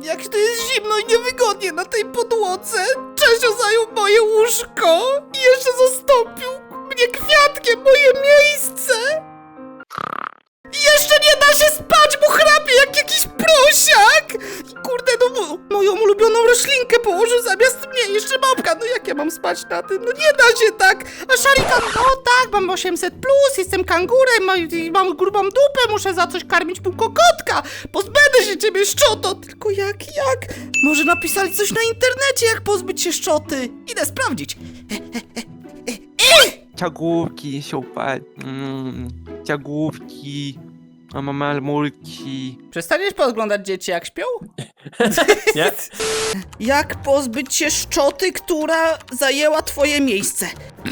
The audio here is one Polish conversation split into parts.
Jak to jest zimno i niewygodnie na tej podłodze. Czesio zajął moje łóżko i jeszcze zastąpił mnie kwiatkiem, moje miejsce. Jeszcze nie da się spać, bo chrapie jak jakiś prosiak! I kurde, no moją ulubioną roślinkę położył zamiast mnie, jeszcze małpka, no jak ja mam spać na tym? No nie da się tak! A Szarikan, no tak, mam 800+, jestem kangurem, mam grubą dupę, muszę za coś karmić półkokotka! Pozbędę się ciebie, szczoto! Tylko jak? Może napisali coś na internecie, jak pozbyć się szczoty? Idę sprawdzić. Ciagłówki, super. Ciagłówki. Mamalmulki. Przestaniesz podglądać dzieci, jak śpią? Nie? Jak pozbyć się szczoty, która zajęła twoje miejsce?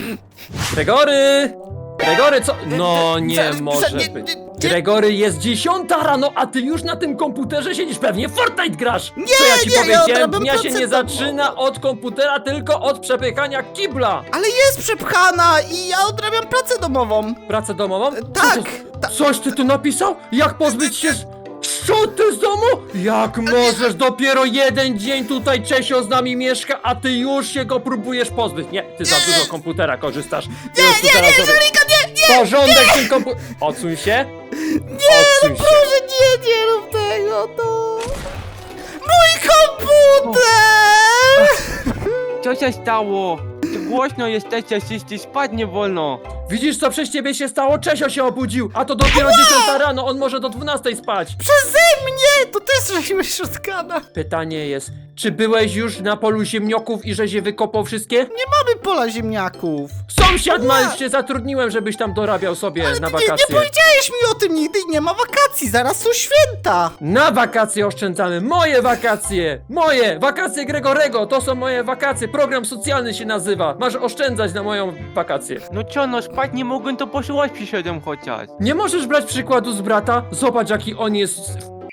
Gregory! Gregory, co? No nie może być. Gregory, jest 10 rano, a ty już na tym komputerze siedzisz, pewnie w Fortnite grasz! Co ja ci nie, ja powiedziałem? odrabiam Dnia się pracę nie domową. zaczyna od komputera, tylko od przepychania kibla! Ale jest przepchana i ja odrabiam pracę domową. Pracę domową? Tak, Coś ty tu napisał? Jak pozbyć się szczoty z domu? Jak możesz? Dopiero jeden dzień tutaj Czesio z nami mieszka, a ty już się go próbujesz pozbyć. Nie, ty za dużo komputera korzystasz. Nie, Żelika, nie! Porządek w tym komputerze. Odsuń się. Odsuń się. Proszę, nie rób tego, no. Mój komputer! Co się stało? Głośno jesteście, wszyscy spać nie wolno. Widzisz, co przez ciebie się stało? Czesio się obudził, a to dopiero 10 rano, on może do 12 spać. Przeze mnie! To też żeśmy Szotkana. Pytanie jest, czy byłeś już na polu ziemniaków i żeś je wykopał wszystkie? Nie mamy pola ziemniaków. Sąsiad ma, cię zatrudniłem, żebyś tam dorabiał sobie na Nie wakacje. powiedziałeś mi o tym nigdy i nie ma wakacji, zaraz są święta. Na wakacje oszczędzamy, moje wakacje! Moje! Wakacje Gregorego, to są moje wakacje, program socjalny się nazywa. Masz oszczędzać na moją wakację. No co, no spać nie mogłem, to poszłaś przyszedłem chociaż. Nie możesz brać przykładu z brata? Zobacz, jaki on jest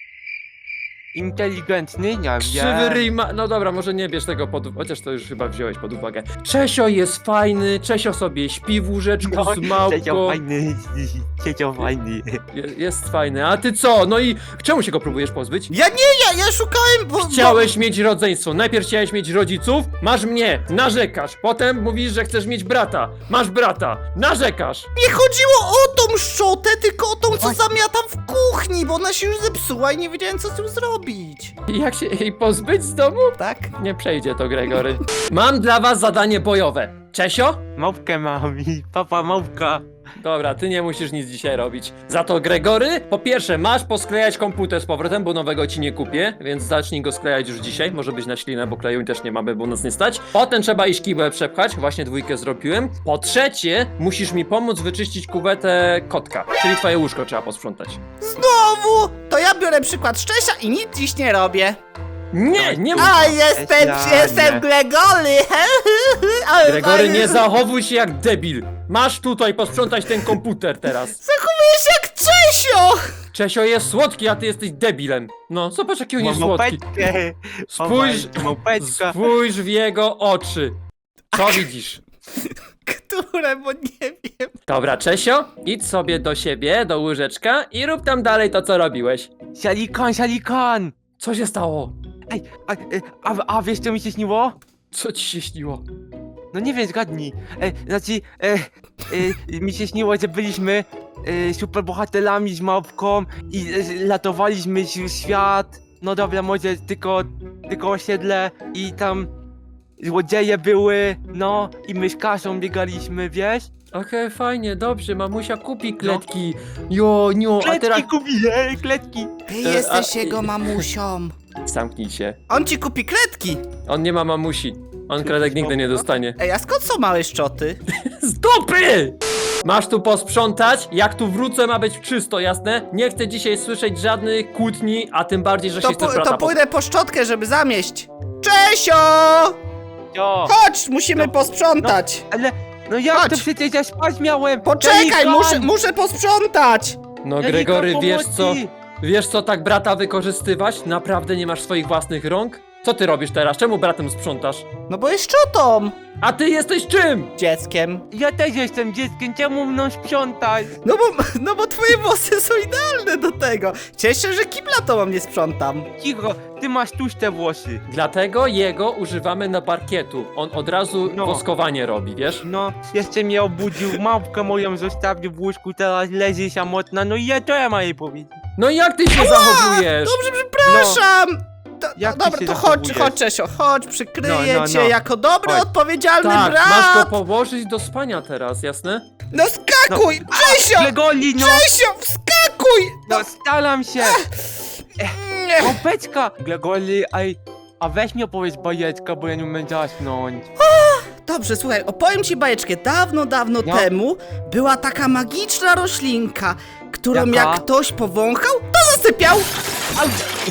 Inteligentny, ja krzywy wiem. ryj ma... No dobra, może nie bierz tego pod uwagę, chociaż to już chyba wziąłeś pod uwagę. Czesio jest fajny, Czesio sobie śpi w łóżeczku z Siedział małpką. fajny, siedział fajny. Jest fajny, a ty co? No i czemu się go próbujesz pozbyć? Ja szukałem, bo... Chciałeś mieć rodzeństwo, najpierw chciałeś mieć rodziców, masz mnie, narzekasz, potem mówisz, że chcesz mieć brata, masz brata, narzekasz. Nie chodziło o tą szczotę, tylko o tą, co zamiatam w kuchni, bo ona się już zepsuła i nie wiedziałem, co z tym zrobić. I jak się jej pozbyć z domu? Tak? Nie przejdzie to, Gregory. Mam dla was zadanie bojowe. Czesio? Małpkę mam i papa małpka. Dobra, ty nie musisz nic dzisiaj robić. Za to, Gregory, po pierwsze, masz posklejać komputer z powrotem, bo nowego ci nie kupię, więc zacznij go sklejać już dzisiaj. Może być na ślinę, bo kleju też nie mamy, bo nas nie stać. Potem trzeba iść kibel przepchać, właśnie 2 zrobiłem. Po trzecie, musisz mi pomóc wyczyścić kuwetę kotka, czyli twoje łóżko trzeba posprzątać. Znowu! To ja biorę przykład Szczesia i nic dziś nie robię. Nie, nie mów. A, jestem Gregory! Ale Gregory, fajnie. nie zachowuj się jak debil. Masz tutaj posprzątać ten komputer teraz. Zachowuję się jak Czesio! Czesio jest słodki, a ty jesteś debilem. No, zobacz jaki on jest słodki. Małpeczkę. Małpeczka. Spójrz w jego oczy. Co widzisz? Które, bo nie wiem. Dobra, Czesio, idź sobie do siebie, do łóżeczka i rób tam dalej to, co robiłeś. Sialikan. Co się stało? Ej, a wiesz co mi się śniło? Co ci się śniło? No nie wiem, zgadnij. Mi się śniło, że byliśmy superbohaterami z małpką i latowaliśmy świat. No dobra, może tylko osiedle i tam złodzieje były, no i my z Kasią biegaliśmy, wiesz? Okej, fajnie, dobrze, mamusia kupi kletki. Jo, a teraz... kupię, kletki. Ty a- jesteś jego mamusią. Zamknij się. On ci kupi kredki. On nie ma mamusi. On kredek nigdy nie dostanie. Ej, a skąd są małe szczoty? Z dupy! Masz tu posprzątać, jak tu wrócę ma być czysto, jasne? Nie chcę dzisiaj słyszeć żadnych kłótni, a tym bardziej, że się chcesz brata To pójdę po szczotkę, żeby zamieść. Czesio! Jo, Chodź, musimy posprzątać. ale no jak Chodź. to przecież ja spać miałem? Poczekaj, Sialikan! muszę posprzątać. No Sialikan, Gregory, wiesz co? pomocy! Wiesz co tak brata wykorzystywać? Naprawdę nie masz swoich własnych rąk? Co ty robisz teraz? Czemu bratem sprzątasz? No bo jest szczotą! A ty jesteś czym? Dzieckiem. Ja też jestem dzieckiem, czemu mną sprzątać? No bo twoje włosy są idealne do tego. Cieszę się, że kibla to mam nie sprzątam. Cicho, ty masz tłuste włosy. Dlatego jego używamy na parkietu. On od razu No. woskowanie robi, wiesz? No, jeszcze mnie obudził, małpkę moją zostawił w łóżku, teraz leży samotna, no i co ja mam jej powiedzieć? No jak ty się zachowujesz? Dobrze, przepraszam! Jak ty Dobra, się to chodź, zachowujesz? Czesio, chodź, przykryję No. cię jako dobry, Chodź. odpowiedzialny Tak, brat! masz go położyć do spania teraz, jasne? No skakuj! Czesio! Gregoli, no! Czesio, wskakuj! No staram się! Nie. Kopeczka! Gregoli, a weź mi opowiedz bajeczkę, bo ja nie umiem zasnąć. Dobrze, słuchaj, opowiem ci bajeczkę. Dawno No. temu była taka magiczna roślinka, którą Jaka? jak ktoś powąchał, to zasypiał! Au.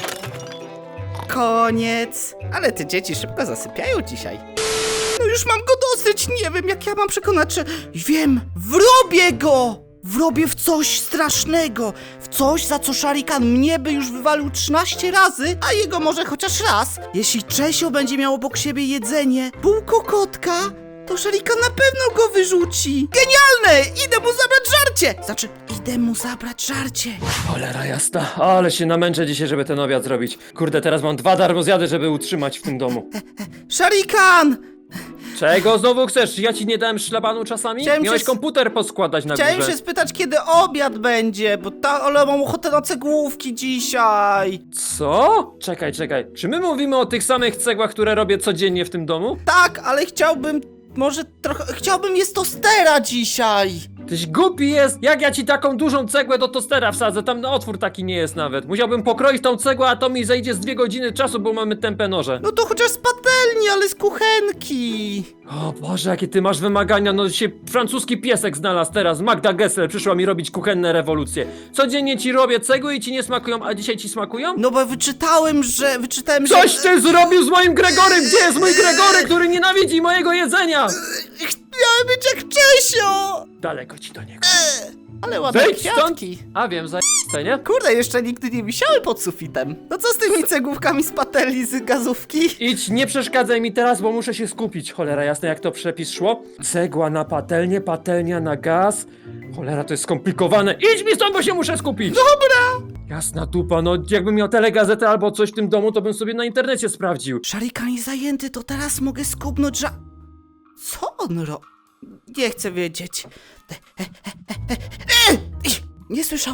Koniec. Ale te dzieci szybko zasypiają dzisiaj. No już mam go dosyć, nie wiem jak ja mam przekonać, że... Wiem, wrobię go! Wrobię w coś strasznego, w coś, za co Szarikan mnie by już wywalił 13 razy, a jego może chociaż raz. Jeśli Czesio będzie miał obok siebie jedzenie, bułko kotka, to Szarikan na pewno go wyrzuci. Genialne! Idę mu zabrać żarcie! Znaczy, idę mu zabrać żarcie. Cholera jasna, ale się namęczę dzisiaj, żeby ten obiad zrobić. Kurde, teraz mam 2 darmozjady, żeby utrzymać w tym domu. Szarikan! Czego znowu chcesz? Ja ci nie dałem szlabanu czasami? Chciałem Miałeś się komputer poskładać na Chciałem górze. się spytać, kiedy obiad będzie, bo ale mam ochotę na cegłówki dzisiaj. Co? Czekaj. Czy my mówimy o tych samych cegłach, które robię codziennie w tym domu? Tak, ale chciałbym, może trochę, chciałbym jest tostera dzisiaj. Tyś głupi jest! Jak ja ci taką dużą cegłę do tostera wsadzę? Tam otwór taki nie jest nawet. Musiałbym pokroić tą cegłę, a to mi zejdzie z 2 godziny czasu, bo mamy tępe noże. No to chociaż z patelni, ale z kuchenki. O Boże, jakie ty masz wymagania, no się francuski piesek znalazł teraz, Magda Gessler przyszła mi robić kuchenne rewolucje. Codziennie ci robię cegły i ci nie smakują, a dzisiaj ci smakują? No bo wyczytałem, że... Coś ty zrobił z moim Gregorym! Gdzie jest mój Gregory, który nienawidzi mojego jedzenia? Miałem być jak Czesio. Daleko ci do niego. Ale ładne Wejdź stąd! kwiatki. A wiem, zajebiste, nie? Kurde, jeszcze nigdy nie wisiały pod sufitem. No co z tymi cegłówkami z patelni, z gazówki? Idź, nie przeszkadzaj mi teraz, bo muszę się skupić. Cholera, jasne jak to przepis szło. Cegła na patelnię, patelnia na gaz. Cholera, to jest skomplikowane. Idź mi stąd, bo się muszę skupić. Dobra. Jasna dupa, no jakbym miał telegazetę albo coś w tym domu, to bym sobie na internecie sprawdził. Szarikan jest zajęty, to teraz mogę skubnąć, że... Co on Nie chcę wiedzieć. Nie słyszał.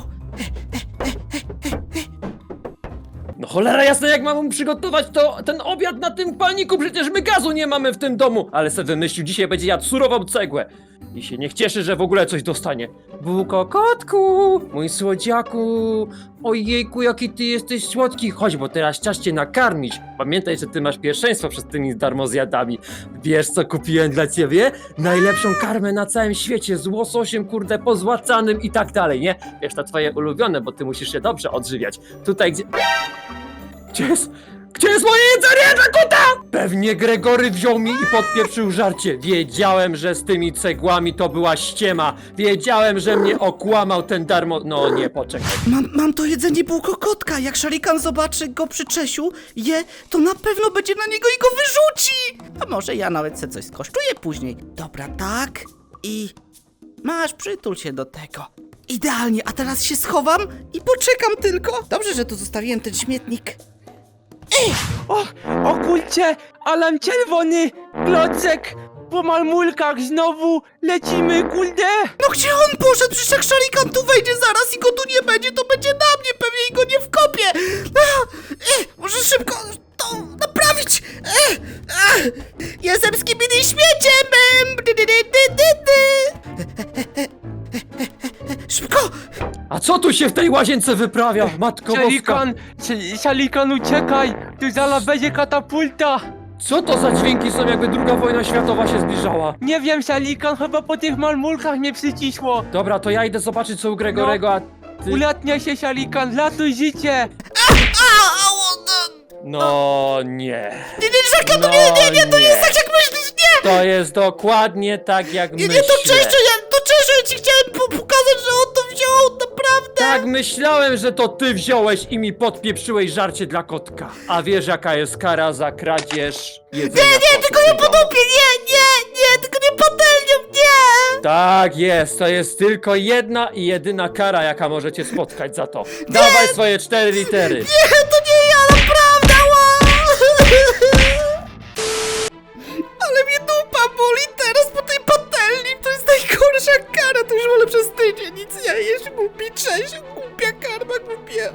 No cholera jasna, jak mam mu przygotować ten obiad na tym palniku, przecież my gazu nie mamy w tym domu. Ale se wymyślił, dzisiaj będzie jadł surową cegłę. I się niech cieszy, że w ogóle coś dostanie. Bułko kotku, mój słodziaku. Ojejku, jaki ty jesteś słodki. Chodź, bo teraz czas cię nakarmić. Pamiętaj, że ty masz pierwszeństwo przed tymi darmozjadami. Wiesz, co kupiłem dla ciebie? Najlepszą karmę na całym świecie, z łososiem, kurde, pozłacanym i tak dalej, nie? Wiesz, to twoje ulubione, bo ty musisz się dobrze odżywiać. Tutaj, gdzie... Gdzie jest moje jedzenie dla kota? Pewnie Gregory wziął mi i podpieprzył żarcie. Wiedziałem, że z tymi cegłami to była ściema. Wiedziałem, że mnie okłamał ten No nie, poczekaj. Mam to jedzenie bułko kotka. Jak Szarikan zobaczy go przy Czesiu, to na pewno będzie na niego i go wyrzuci. A może ja nawet se coś skosztuję później. Dobra, tak. I... Masz, przytul się do tego. Idealnie, a teraz się schowam i poczekam tylko. Dobrze, że tu zostawiłem ten śmietnik. O kurczę, alarm czerwony, klocek, po malmulkach znowu, lecimy, kurde. No gdzie on poszedł? Przecież jak Szarikan tu wejdzie zaraz i go tu nie będzie, to będzie na mnie, pewnie i go nie wkopię. Muszę szybko to naprawić. Jestem skibidi śmieciem. Szybko. A co tu się w tej łazience wyprawia, matko boska? Szalikan, uciekaj, tu zaraz będzie katapulta. Co to za dźwięki są, jakby II wojna światowa się zbliżała? Nie wiem, Szalikan, chyba po tych malmulkach mnie przycisło. Dobra, to ja idę zobaczyć, co u Gregorego, a ty... Ulatnia się, Szalikan, latuj życie. No nie. Nie, Szarikan, to nie, to nie jest tak jak myślisz, nie. To jest dokładnie tak, jak myślę. Nie, to Czesio, ja ci chciałem pokazać, że on to wziął, naprawdę. Tak, myślałem, że to ty wziąłeś i mi podpieprzyłeś żarcie dla kotka. A wiesz jaka jest kara za kradzież jedzenia? Nie, Tylko nie po dupie, nie, tylko nie patelnią, nie! Tak jest, to jest tylko jedna i jedyna kara, jaka możecie spotkać za to. Dawaj swoje 4 litery. Nie, to nie ja, naprawdę, ła! Ale mnie dupa boli teraz po tej patelni, to jest najgorsza kara, to już wolę przez tydzień nic nie jeść, głupi Czesiu, głupia karma, głupie.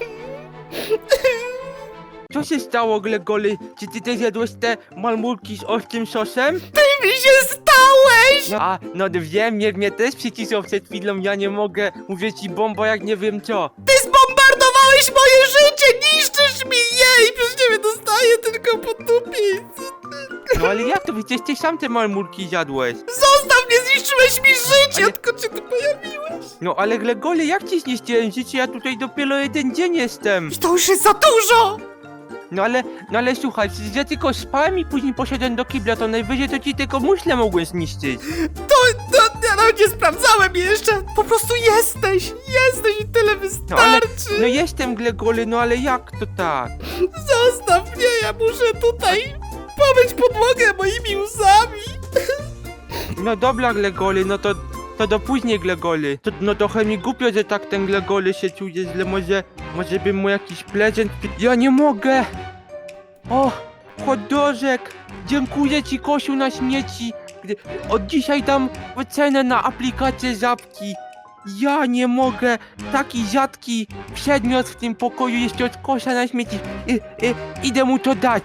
Co się stało, Glegoly? Czy ty też jadłeś te malmulki z ostrym sosem? Ty mi się stałeś! No, no wiem, mnie też przycisnął przed chwilą, ja nie mogę. Mówię ci bomba jak nie wiem co. Ty zbombardowałeś moje życie, niszczysz mi je i przez ciebie dostaję tylko po dupie. No ale jak to? Przecież ty sam te malmulki zjadłeś. Zostaw mnie, zniszczyłeś mi życie, Ale- odkąd się tu pojawiłeś. No ale Glegoly, jak ci zniszczyłem życie? Ja tutaj dopiero jeden dzień jestem. I to już jest za dużo! No ale słuchaj, przecież ja tylko spałem i później poszedłem do kibla, to najwyżej to ci tylko muszle mogłem zniszczyć. Ja nawet nie sprawdzałem jeszcze. Po prostu jesteś i tyle No ale, wystarczy. no jestem Glegoly, no ale jak to tak? Zostaw mnie, ja muszę tutaj pomyć podłogę moimi łzami. No dobra Glegoly, no to do później Glegoly. No trochę mi głupio, że tak ten Glegoly się czuje źle, może bym mu jakiś prezent... Ja nie mogę! O, hot-dożek! Dziękuję ci, Kosiu, na śmieci. Od dzisiaj dam cenę na aplikację Żabki. Ja nie mogę! Taki rzadki przedmiot w tym pokoju jeszcze od kosza na śmieci. Idę mu to dać.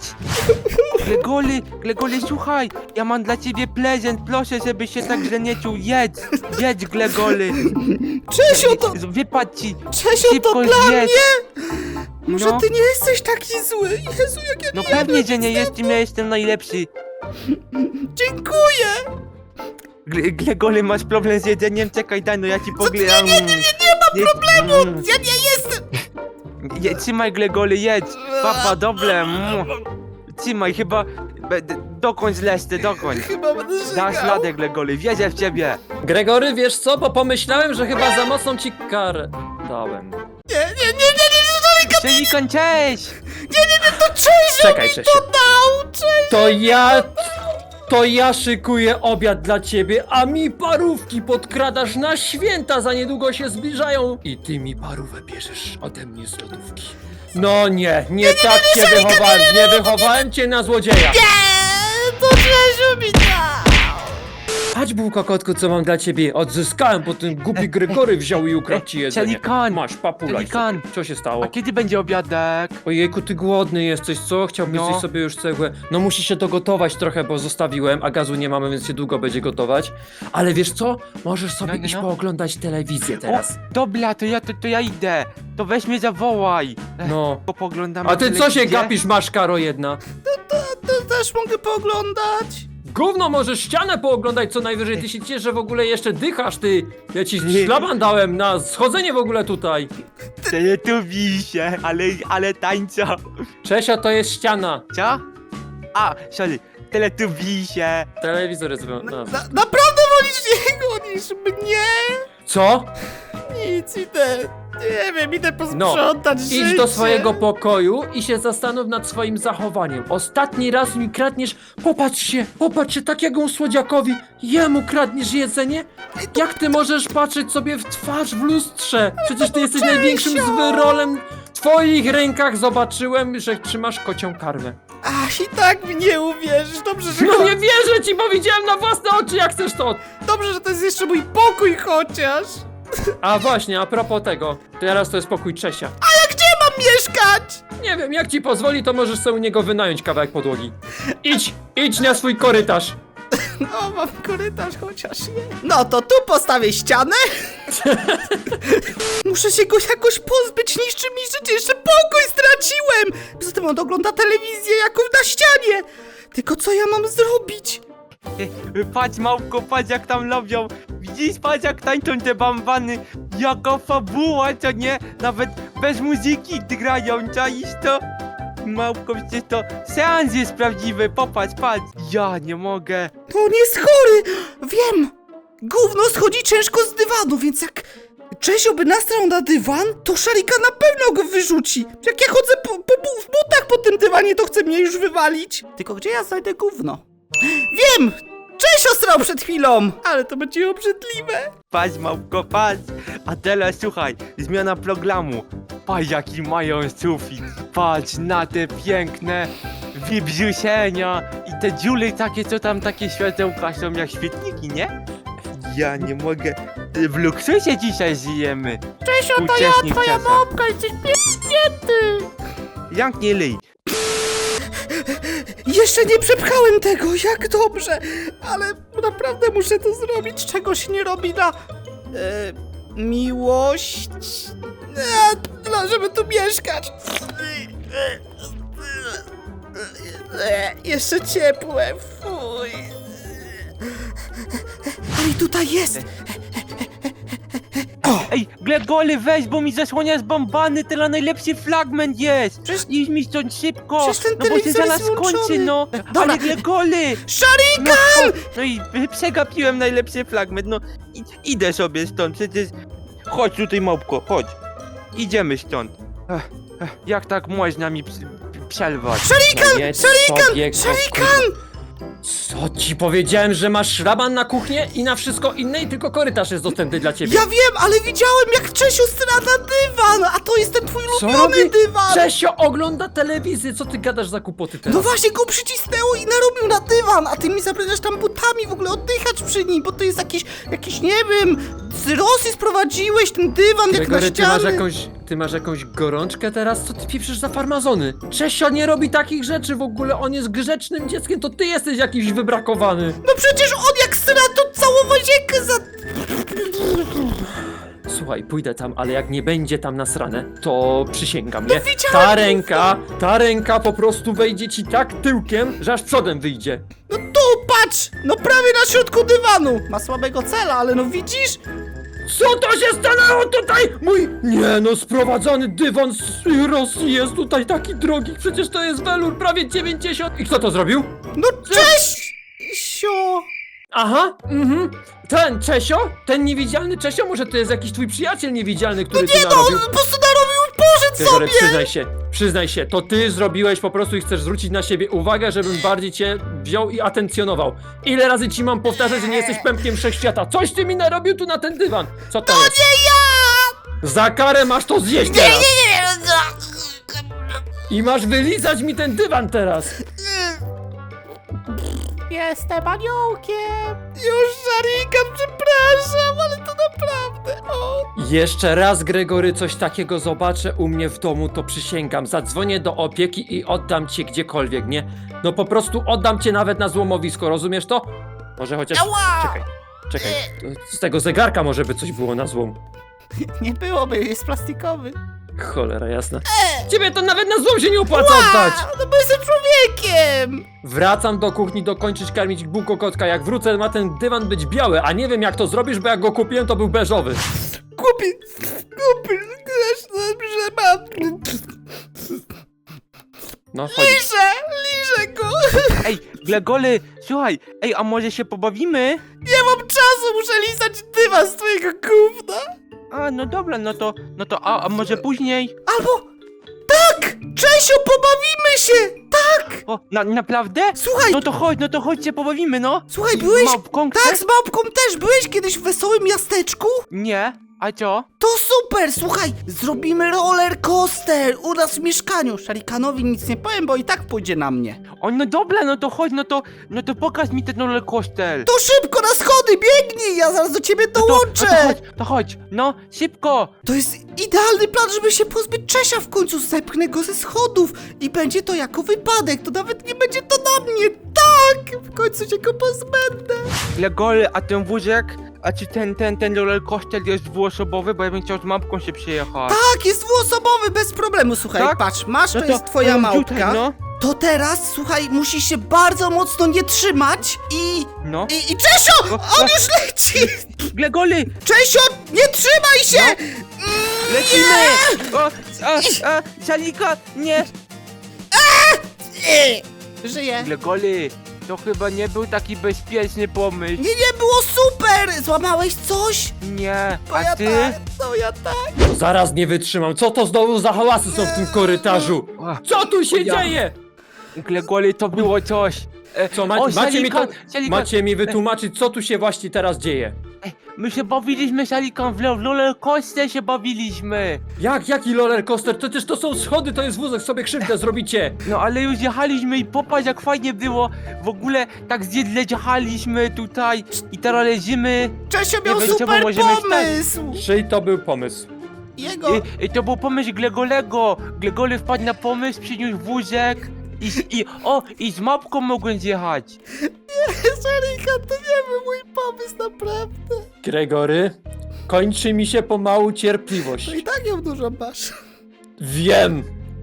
Glegoly, słuchaj, ja mam dla ciebie prezent, proszę, żebyś się tak źle nie czuł. Jedz, Glegoly. Wypadł ci. Czesio, to Szybko dla zjedz. mnie? Może No. ty nie jesteś taki zły? Jezu, jak ja No nie pewnie, jadłem że nie nic jestem, ja jestem najlepszy. Dziękuję! Glegoly, masz problem z jedzeniem? Czekaj, daj, no ja ci poglądam. Nie ma problemu! Ja nie jestem! Trzymaj, Glegoly, jedz. Papa, dobre. Trzymaj, chyba... Dokończ leszcze, dokończ. Chyba będę żygał. Dasz radę, Glegoly, wierzę w ciebie. Gregory, wiesz co? Bo pomyślałem, że chyba za mocną ci karę dałem. Nie, Szelikan, cześć! to Czesio Czekaj, mi Czesio. to dał! To ja szykuję obiad dla ciebie, a mi parówki podkradasz na święta, za niedługo się zbliżają. I ty mi parówę bierzesz ode mnie z lodówki. No nie tak cię wychowałem, nie wychowałem cię na złodzieja. Nie, to Czesio mi dał! Chodź, bułka kotku, co mam dla ciebie. Odzyskałem, bo ten głupi Gregory wziął i ukradł ci jedzenie. Szelikan, Masz, papulaj Szelikan. sobie. Co się stało? A kiedy będzie obiadek? Ojejku, ty głodny jesteś, co? Chciałbyś No. zjeść sobie już cegłę? No musi się dogotować trochę, bo zostawiłem, a gazu nie mamy, więc się długo będzie gotować. Ale wiesz co? Możesz sobie No. iść pooglądać telewizję teraz. O, dobra, to ja idę. To weź mnie zawołaj. No. Poglądamy A ty co się telewizję? gapisz, maszkaro jedna? To też mogę pooglądać? Gówno, możesz ścianę pooglądać co najwyżej, ty się ciesz, że w ogóle jeszcze dychasz, ty. Ja ci szlaban dałem na schodzenie w ogóle tutaj. Teletubisie, ale tańca. Czesia, to jest ściana. Co? A, sorry, teletubisie. Telewizor jest... No. Naprawdę wolisz jego niż mnie? Co? Nic, idę. Nie wiem, idę posprzątać życie. Idź do swojego pokoju i się zastanów nad swoim zachowaniem. Ostatni raz mi kradniesz, popatrz się, takiego słodziakowi, jemu kradniesz jedzenie? Jak ty możesz patrzeć sobie w twarz w lustrze? Przecież ty jesteś największym zwyrolem. W twoich rękach zobaczyłem, że trzymasz kocią karmę. Ach, i tak mi nie uwierzysz. Dobrze, że, No nie wierzę ci, bo widziałem na własne oczy, jak chcesz to. Dobrze, że to jest jeszcze mój pokój chociaż. A właśnie, a propos tego, teraz to jest pokój Czesia. A gdzie mam mieszkać? Nie wiem, jak ci pozwoli, to możesz sobie u niego wynająć kawałek podłogi. Idź na swój korytarz. No, mam korytarz chociaż nie. No to tu postawię ścianę. Muszę się go jakoś pozbyć, niszczy mi życie, jeszcze pokój straciłem. Poza tym on ogląda telewizję jaką na ścianie. Tylko co ja mam zrobić? Patrz, małpko, patrz jak tam robią. Widzisz, patrz jak tańczą te bambany. Jaka fabuła, co nie? Nawet bez muzyki grają, czaisz to? Małpko, przecież to seans jest prawdziwy, popatrz, patrz. Ja nie mogę. To on jest chory. Wiem. Gówno schodzi ciężko z dywanu, więc jak Czesio by nastrał na dywan, to Szarika na pewno go wyrzuci. Jak ja chodzę w butach po tym dywanie, to chce mnie już wywalić. Tylko gdzie ja znajdę gówno? Wiem! Czesio strał przed chwilą! Ale to będzie obrzydliwe. Patrz, małpko, patrz. A teraz słuchaj, zmiana programu. Patrz, jaki mają sufit. Patrz na te piękne wybrzuszenia i te dziury takie, co tam takie światełka są jak świetniki, nie? Ja nie mogę. W luksusie dzisiaj żyjemy. Czesio, to ja, twoja małpka, jesteś piękny! Jak nie lyj. Jeszcze nie przepchałem tego, jak dobrze! Ale naprawdę muszę to zrobić, czego się nie robi na... miłość... żeby tu mieszkać. Jeszcze ciepłe, fuj. Ale tutaj jest! Ej, Glegoly, weź, bo mi zasłania z bombany, teraz najlepszy fragment jest! Przecież- Idź mi stąd szybko! Przecież ten No bo się telewizor zaraz jest wyłączony. skończy, no! Dobra. Ale Glegoly! Szarika! No i przegapiłem najlepszy fragment, no idę sobie stąd, przecież... Chodź tutaj, małpko, chodź! Idziemy stąd! Jak tak można mi przerwać? Szarikan! Szarikan! Co ci powiedziałem, że masz szlaban na kuchnię i na wszystko inne i tylko korytarz jest dostępny dla ciebie. Ja wiem, ale widziałem jak Czesiu stra na dywan, a to jest ten twój Co ulubiony robi? dywan! Czesio ogląda telewizję, co ty gadasz za kłopoty teraz? No właśnie go przycisnęło i narobił na dywan, a ty mi zabraniasz tam butami w ogóle oddychać przy nim, bo to jest jakiś nie wiem, z Rosji sprowadziłeś ten dywan jak na Gregory, ściany. ty masz jakąś gorączkę teraz? Co ty pieprzysz za farmazony? Czesio nie robi takich rzeczy w ogóle, on jest grzecznym dzieckiem, to ty jesteś jakiś wybrakowany. No przecież on jak stra to całą łazienkę za... Słuchaj, pójdę tam, ale jak nie będzie tam nasrane, to przysięgam, nie? widziałem Ta ręka po prostu wejdzie ci tak tyłkiem, że aż przodem wyjdzie. No tu, patrz! No prawie na środku dywanu! Ma słabego cela, ale no widzisz? Co to się stanęło tutaj? Mój, nie no, sprowadzony dywan z Rosji jest tutaj taki drogi, przecież to jest welur prawie 90. I kto to zrobił? No cześć! Sio... Aha, ten Czesio? Ten niewidzialny Czesio? Może to jest jakiś twój przyjaciel niewidzialny, który tu Nie no, narobił? on po prostu narobił poszedł Gregory, sobie! przyznaj się, to ty zrobiłeś po prostu i chcesz zwrócić na siebie uwagę, żebym bardziej cię wziął i atencjonował. Ile razy ci mam powtarzać, że nie jesteś pępkiem wszechświata? Coś ty mi narobił tu na ten dywan! Co to jest? Nie ja! Za karę masz to zjeść teraz! I masz wylizać mi ten dywan teraz! Jestem aniołkiem! Już Szarika, przepraszam, ale to naprawdę... O. Jeszcze raz, Gregory, coś takiego zobaczę u mnie w domu, to przysięgam. Zadzwonię do opieki i oddam cię gdziekolwiek, nie? No po prostu oddam cię nawet na złomowisko, rozumiesz to? Może chociaż... Ała! Czekaj. Z tego zegarka może by coś było na złom. Nie byłoby, jest plastikowy. Cholera jasna. Ciebie to nawet na złom się nie opłaca oddać! No bo jestem człowiekiem! Wracam do kuchni dokończyć karmić bułko kotka. Jak wrócę, ma ten dywan być biały, a nie wiem jak to zrobisz, bo jak go kupiłem, to był beżowy. Kupi, że mam... No chodź. Liżę go! Ej, Glegoly, słuchaj, ej, a może się pobawimy? Nie mam czasu, muszę lizać dywan z twojego gówna! A, no dobra, a może później? Albo... Tak! Czesio, pobawimy się! Tak! O, naprawdę? Słuchaj, No to chodź się pobawimy, no! słuchaj, I byłeś... małpką Tak, chcesz? z małpką też. Byłeś kiedyś w wesołym miasteczku? Nie, a co? To super, słuchaj, zrobimy roller coaster u nas w mieszkaniu. Szarikanowi nic nie powiem, bo i tak pójdzie na mnie. O, no dobra, no to chodź, no to pokaż mi ten roller coaster. To szybko na schody, biegnij, ja zaraz do ciebie No dołączę. to chodź, no, szybko! To jest idealny plan, żeby się pozbyć Czesia w końcu. Zepchnę go ze schodów i będzie to jako wypadek. To nawet nie będzie to na mnie. Tak, w końcu się go pozbędę. Glegoly, a ten wózek, a czy ten roller coaster jest dwuosobowy, bo ja bym chciał z mapką się przejechać. Tak, jest dwuosobowy, bez problemu. Słuchaj, Tak? patrz, masz, No to jest twoja no, małpka. tutaj, no, To teraz, słuchaj, musisz się bardzo mocno nie trzymać no. I Czesio! On już leci! Glegoly, Czesio, nie trzymaj się! lecimy! O, Szalika, nie! Żyję. Glegoly, To chyba nie był taki bezpieczny pomysł. Nie było super! Złamałeś coś? Nie, To a ja ty? tak, to ja tak. No zaraz nie wytrzymam. Co to znowu za hałasy są w tym korytarzu? Co tu się Ja. dzieje? Glegoli, to było coś. Co, O, macie mi to... Szalikan. Macie mi wytłumaczyć, co tu się właśnie teraz dzieje? My się bawiliśmy, Szalikan, w rollercoaster się bawiliśmy. Jaki roller coaster? Przecież to są schody, to jest wózek, sobie krzywdę zrobicie. No ale już jechaliśmy i popatrz jak fajnie było. W ogóle tak zjedle jechaliśmy tutaj i teraz leżymy. Czesio miał wiem, czemu super możemy wstać. pomysł! Czyj to był pomysł? Jego... I to był pomysł Glegolego. Glegoly wpadł na pomysł, przyniósł wózek. I z mapką mogłem zjechać. Szarikan, to nie był mój pomysł, naprawdę. Gregory, kończy mi się pomału cierpliwość. No i tak ją dużo masz. Wiem.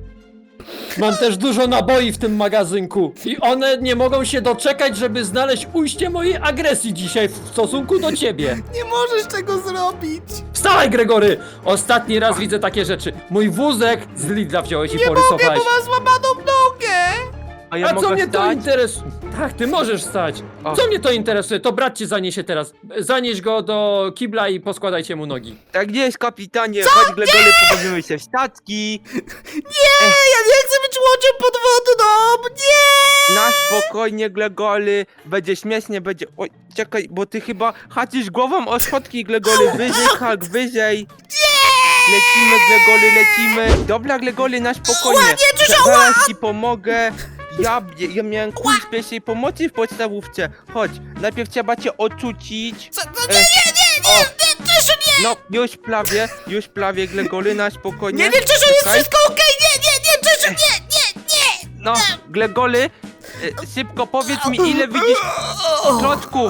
Mam też dużo naboi w tym magazynku i one nie mogą się doczekać, żeby znaleźć ujście mojej agresji dzisiaj w stosunku do ciebie. Nie możesz tego zrobić. Wstawaj, Gregory! Ostatni raz widzę takie rzeczy. Mój wózek z Lidla wziąłeś i Nie mogę, porysowałeś. bo mam złamaną nogę. A ja A co mogę mnie to stać? interesuje? Tak, ty możesz stać. O. Co mnie to interesuje? To brat cię zaniesie teraz. Zanieś go do kibla i poskładajcie mu nogi. Tak jest, kapitanie. Chodź, Glegoly, pobawimy się w statki. Ja nie chcę być łodzią podwodną, nie! Na spokojnie, Glegoly. Będzie śmiesznie, będzie... Oj, czekaj, bo ty chyba haczysz głową o schodki, Glegoly. Wyżej, hak, wyżej. Lecimy, Glegoly, lecimy. Dobra, Glegoly, na spokojnie. Zaraz ci pomogę. Ja miałem kurs pierwszej pomocy w podstawówce. Chodź, najpierw trzeba cię ocucić. Nie, Czesio, nie! No, już prawie, Glegoly, na spokojnie. Nie, Czesio, jest Czekaj. wszystko okej, nie, Czesio, nie! No, Glegoly, szybko powiedz mi, ile widzisz klocków.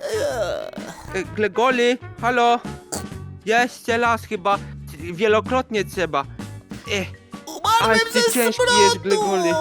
Glegoly, halo? Jeszcze raz chyba, wielokrotnie trzeba. Umarłem Ale ty ze ciężki smrodu! jest, Glegoly.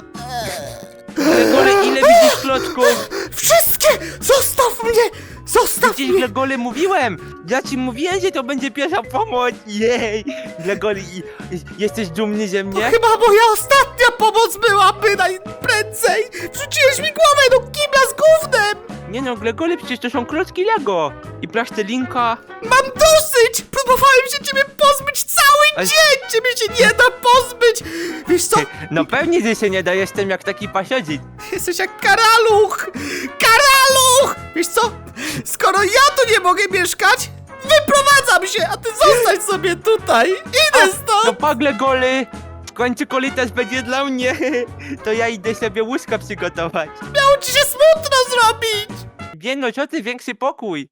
Glegoly, ile widzisz klocków? Wszystkie! Zostaw mnie! Zostaw Przecież, mnie! Glegoly, mówiłem! Ja ci mówiłem, że to będzie pierwsza pomoc! Jej! Glegoly, jesteś dumny ze To mnie? chyba moja ostatnia pomoc byłaby najprędzej! Wrzuciłeś mi głowę do kibla z gównem! Nie no, Glegoly, przecież to są klocki Lego! I plastelinka. Mam dosyć! Próbowałem się ciebie pozbyć cały Ale- dzień! Ciebie się nie da pozbyć! Wiesz co? No pewnie, że się nie da, jestem jak taki pasiodzik. Jesteś jak karaluch! Karaluch! Wiesz co? Skoro ja tu nie mogę mieszkać, wyprowadzam się, a ty zostań sobie tutaj! Idę No stąd! pa, Glegoly! W końcu korytarz będzie dla mnie. To ja idę sobie łóżka przygotować. Miało ci się smutno zrobić! Nie no, co ty, większy pokój.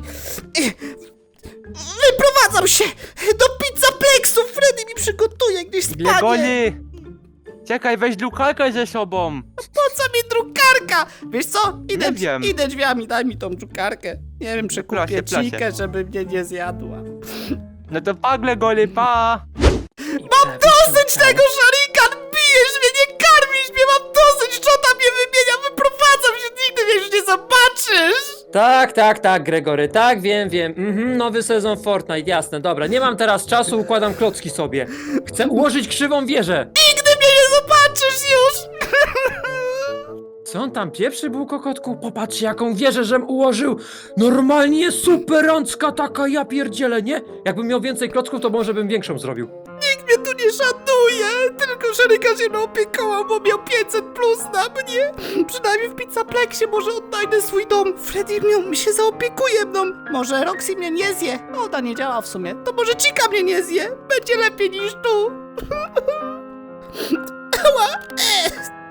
Wyprowadzam się do pizzaplexu! Freddy mi przygotuje gdzieś spanie! Glegoly! Czekaj, weź drukarkę ze sobą. Po co mi drukarka? Wiesz co? Nie wiem. Idę drzwiami, daj mi tą drukarkę. Nie wiem, przekupię Proszę, proszę. Cikę, żeby mnie nie zjadła. No to pa, Glegoly, pa! Mam dosyć tego, Szarikan! Bijesz mnie, nie karmisz mnie! Mam dosyć, Czota mnie wymienia! Wyprowadzam się, nigdy mnie już nie zobaczysz! Tak, Gregory, tak, wiem. Nowy sezon Fortnite, jasne, dobra. Nie mam teraz czasu, układam klocki sobie. Chcę ułożyć krzywą wieżę. Nigdy mnie nie zobaczysz już! Co on tam pieprzy był, kokotku? Popatrz, jaką wieżę żem ułożył! Normalnie superancka taka, ja pierdzielę, nie? Jakbym miał więcej klocków, to może bym większą zrobił. Nikt mnie tu nie szanuje! Tylko Szarikan się mną opiekował, bo miał 500 plus na mnie! Przynajmniej w pizzaplexie może odnajdę swój dom. Freddy mi się zaopiekuje mną. Może Roxy mnie nie zje. Oda nie działa w sumie. To może Chica mnie nie zje. Będzie lepiej niż tu. Ała.